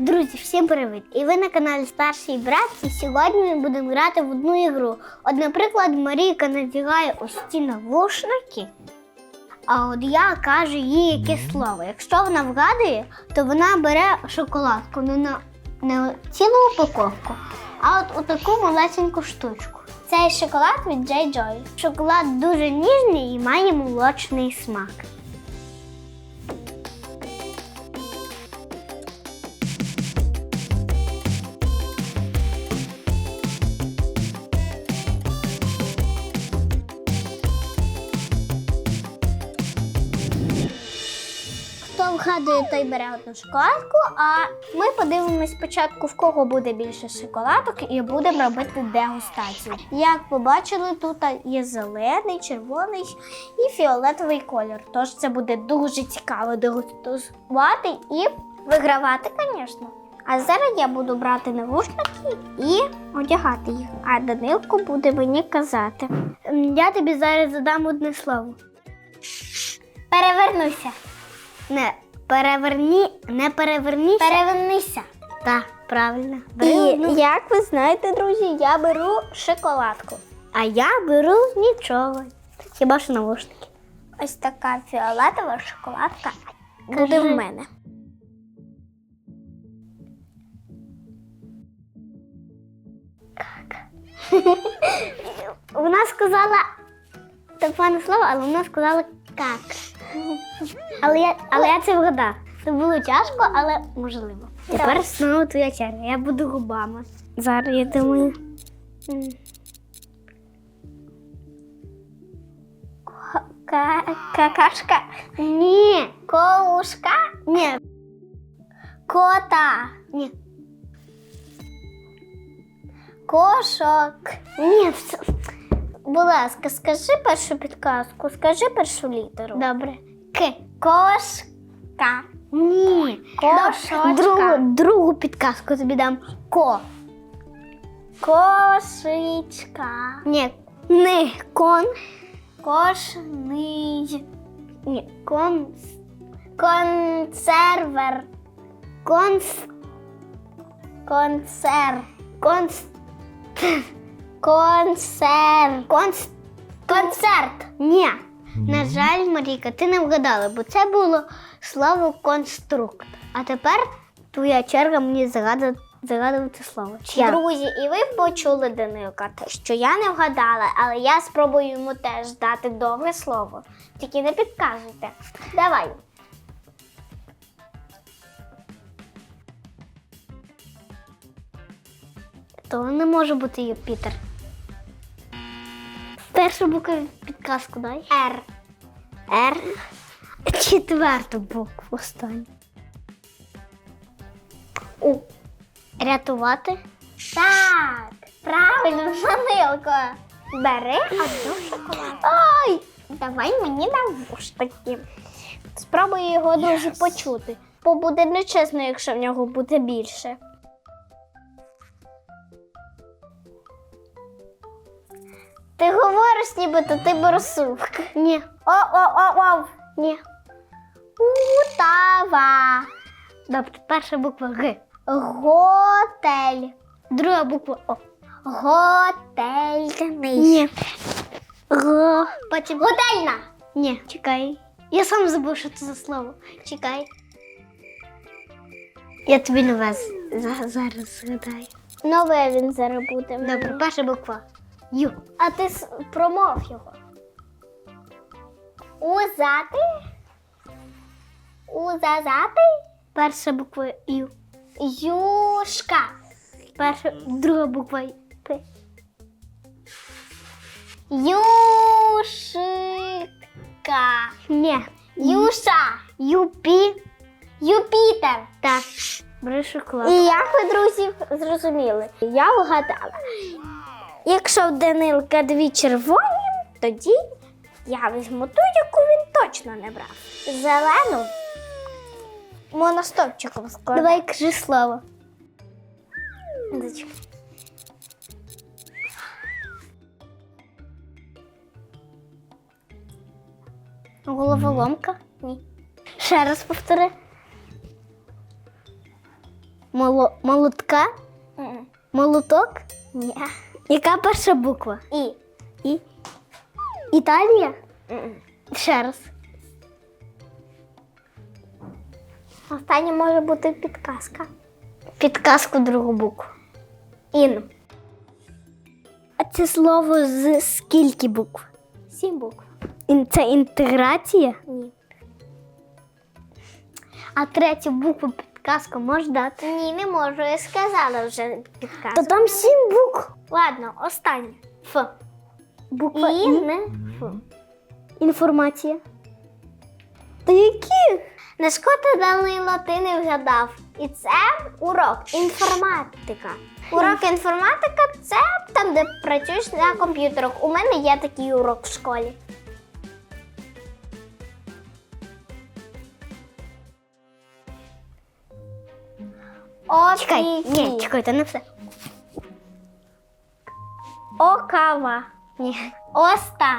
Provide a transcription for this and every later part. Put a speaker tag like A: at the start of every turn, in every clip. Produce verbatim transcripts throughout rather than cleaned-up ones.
A: Друзі, всім привіт! І ви на каналі Старший Брат. І сьогодні ми будемо грати в одну ігру. От, наприклад, Марійка надягає ось ці навушники, а от я кажу їй якесь слово. Якщо вона вгадує, то вона бере шоколадку, не, на, не цілу упаковку, а от таку малесеньку штучку. Цей шоколад від Джей Джой. Шоколад дуже ніжний і має молочний смак. Хто вгадує, той бере одну шоколадку, а ми подивимось спочатку, в кого буде більше шоколадок, і будемо робити дегустацію. Як побачили, тут є зелений, червоний і фіолетовий колір. Тож це буде дуже цікаво дегустувати і вигравати, звісно. А зараз я буду брати навушники і одягати їх, а Данилко буде мені казати. Я тобі зараз задам одне слово. Перевернуся. Не переверні, не переверніся. Перевернися. Так, правильно. Бери І одну. Як ви знаєте, друзі, я беру шоколадку. А я беру нічого. Хіба що навушники. Ось така фіолетова шоколадка буде в мене. Как? Вона сказала те пане слово, але вона сказала как. Але я, але я це вгадав. Це було тяжко, але можливо. Тепер знову твоя черга. Я буду губами. Зараз я думаю. Какашка? Ні. Коушка? Ні. Кота? Ні. Кошок? Ні. Будь ласка, скажи першу підказку, скажи першу літеру. Добре. К. Кошка. Ні. Кошочка. Другу, другу підказку тобі дам. Ко. Кошечка. Ні. Не. Кон. Кошний. Ні. Кон. Консервер. Конс. Консер. Конс. Концерт. Конс... Концерт. Ні. На жаль, Марійка, ти не вгадала, бо це було слово конструкт. А тепер твоя черга мені загадувати, загадувати слово. Чия? Друзі, і ви почули Данилка, що я не вгадала, але я спробую йому теж дати довге слово. Тільки не підказуйте. Давай. То не може бути Юпітер. Першу букву підказку дай. Р. Р. Четверту букву останню. У. Рятувати. Так. Правильно, Данилко. Бери одну шоколадку. Ой! Давай мені навушники. Спробую його дуже yes. почути. Бо буде нечесно, якщо в нього буде більше. Ти говориш, нібито ти борсук. Ні. О-о-о-о. Ні. Утава. Добре, перша буква Г. Готель. Друга буква О. Готельний. Ні. Го. Потім готельна. Ні, чекай. Я сам забув, що це за слово. Чекай. Я тобі нове зараз згадаю. Нове він зараз буде. Добре, перша буква. Ю. А ти промов його. Узати. Узазати. Перша буква Ю. Юшка. Перша, друга буква П. Юшика. Ні. Юша. Юпі. Юпітер. Так. Бери шоколад. І як ви, друзі, зрозуміли? Я вгадала. Якщо в Данилка дві червоні, тоді я візьму ту, яку він точно не брав. Зелену моностопчиком складу. Давай кажи слово. Зачекай. Головоломка? Ні. Ще раз повтори. Моло... Молотка?
B: Mm-mm.
A: Молоток?
B: Ні.
A: Яка перша буква?
B: І.
A: І? Італія?
B: Mm-mm.
A: Ще раз.
B: Останнє може бути підказка.
A: Підказку другу букву.
B: Ін.
A: А це слово з скільки букв?
B: Сім букв.
A: Ін- Це інтеграція?
B: Ні.
A: А третю букву підказку можеш дати?
B: Ні, не можу. Я сказала вже підказку.
A: То там сім букв.
B: Ладно, останнє.
A: Ф. Буква
B: І,
A: І.
B: не Ф.
A: Інформація. Та які?
B: На шкода Данило, ти не вгадав. І це урок інформатика. Урок інформатика – це там, де працюєш на комп'ютерах. У мене є такий урок в школі. О,
A: Чекай,
B: ні,
A: ні, чекай, це не все.
B: О, кава.
A: Ні.
B: Оста.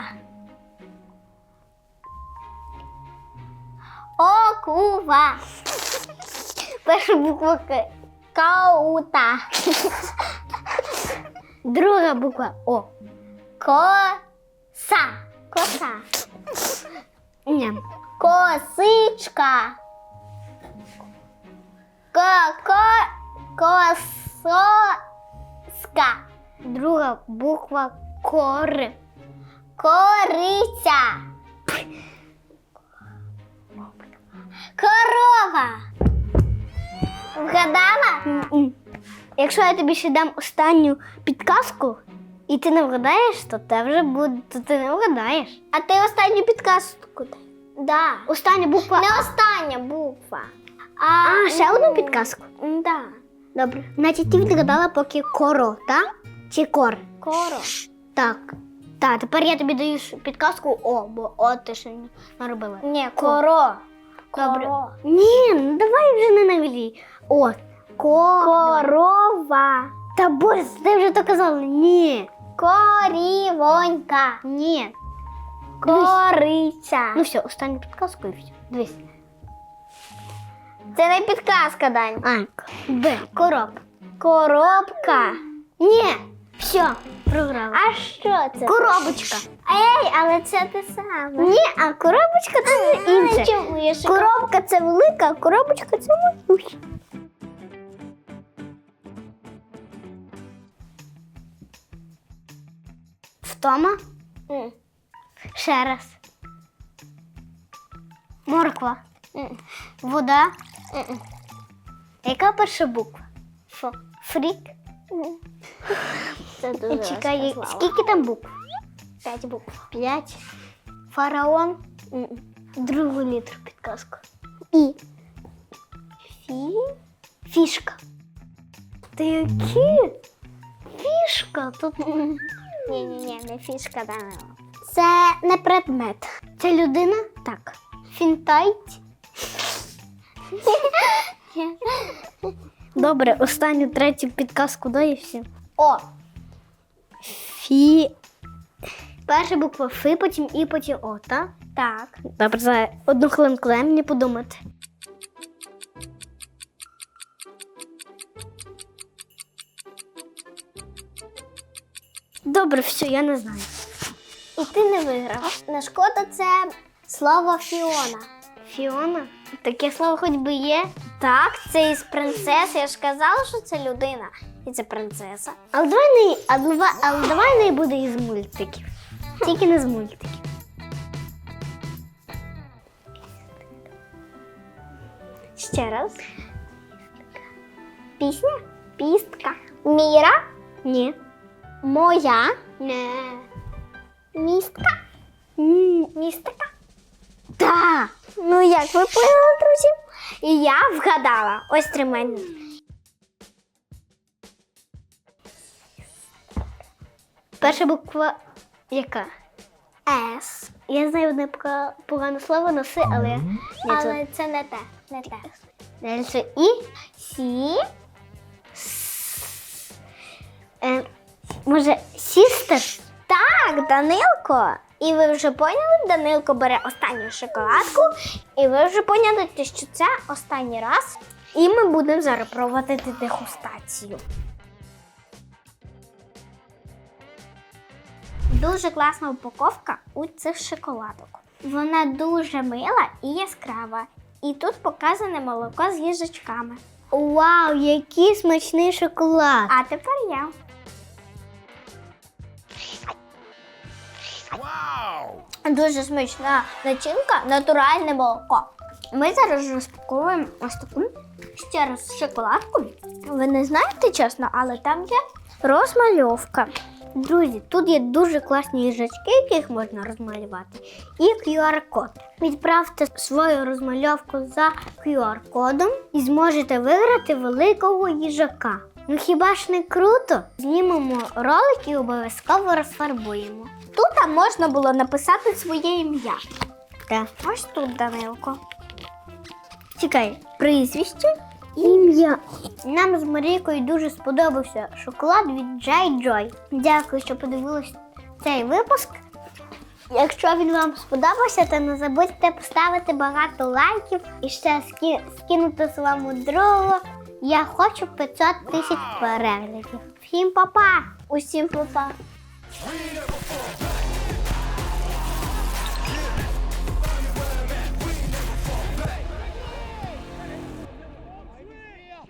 B: О, кува.
A: Перша буква К.
B: Каута.
A: Друга буква О.
B: Коса. Коса.
A: Ні.
B: Косичка. Ко-ко. Кососка.
A: Друга буква Кор.
B: Кориця. Корова. Вгадала?
A: М-м. Якщо я тобі ще дам останню підказку, і ти не вгадаєш, то те вже буде, то ти не вгадаєш.
B: А ти останню підказку дай. Да.
A: Остання буква
B: Не
A: А.
B: остання буква.
A: А, ще одну підказку?
B: Да.
A: Добре. Значить, ти відгадала поки коро, так? Чи кор?
B: Коро.
A: Так. Так, тепер я тобі даю ш- підказку О, бо О ти ще не наробила.
B: Ні, коро.
A: Добре.
B: Коро.
A: Ні, ну давай вже не навілі. О, ко.
B: Корова.
A: Та боже, ти вже то казала. Ні.
B: Корівонька.
A: Ні.
B: Кориця.
A: Ну все, останню підказку і все. Дивись.
B: Це не підказка, Дань.
A: А, Б. Короб.
B: Коробка.
A: Ні. Все, програла.
B: А що це?
A: Коробочка.
B: Ей, але це те саме.
A: Ні, а коробочка це
B: А,
A: інше.
B: чому я ще-
A: Коробка це велика, а коробочка це маленька. Втома?
B: М.
A: Ще раз. Морква.
B: М.
A: Вода.
B: М-м.
A: Яка перша буква?
B: Фу.
A: Фрік.
B: М. Це дуже
A: Чекай,
B: розказала.
A: скільки там букв?
B: П'ять букв.
A: П'ять. Фараон.
B: М.
A: Другу літру підказку.
B: І.
A: Фі. Фішка. Та які? Фішка. Тут
B: Ні-ні-ні, не фішка, Данило. Це не предмет.
A: це людина? Так. Фінтайт. Добре, останню третю підказку дай і все.
B: О.
A: Фі. Перша буква Ф, потім І, потім О, так?
B: Так.
A: Добре, за одну хвилинку дай мені подумати. Добре, все, я не знаю.
B: І ти не виграв. На шкода це слово Фіона.
A: Фіона? Таке слово хоч би є.
B: Так, це із принцеси. Я ж казала, що це людина. І це принцеса.
A: Але давай не, а давай, але давай не буде із мультиків. Тільки не з мультиків.
B: Ще раз. Пісня? Пістка. Міра?
A: Ні.
B: Моя?
A: Не.
B: Містка?
A: М,
B: Містика?
A: Та.
B: Ну як ви поняли, друзі? І я вгадала. Ось тримання.
A: Перша буква яка?
B: С.
A: Я знаю одне пока- погане слово на С, але ні, це,
B: Але це не те. Не те.
A: далі це І.
B: Сі.
A: Е, може, сістер?
B: Так, Данилко. І ви вже поняли, Данилко бере останню шоколадку. І ви вже поняли, що це останній раз.
A: І ми будемо зараз проводити дегустацію. Дуже класна упаковка у цих шоколадок. Вона дуже мила і яскрава. І тут показане молоко з їжачками.
B: Вау, який смачний шоколад!
A: А тепер я. Дуже смачна начинка, натуральне молоко. Ми зараз розпаковуємо ось таку ще раз шоколадку. Ви не знаєте чесно, але там є розмальовка.
B: Друзі, тут є дуже класні їжачки, яких можна розмалювати, і кю ар-код. Відправте свою розмальовку за кю ар-кодом і зможете виграти великого їжака. Ну хіба ж не круто? Знімемо ролик і обов'язково розфарбуємо.
A: Тут можна було написати своє ім'я.
B: Так.
A: Ось тут, Данилко.
B: Чекай, прізвище, ім'я. Нам з Марійкою дуже сподобався шоколад від Джей Joy. Дякую, що подивились цей випуск. Якщо він вам сподобався, то не забудьте поставити багато лайків і ще ски- скинути своєму другу. Я хочу п'ятсот тисяч переглядів. Всім па-па!
A: Усім па-па!
C: We never fall.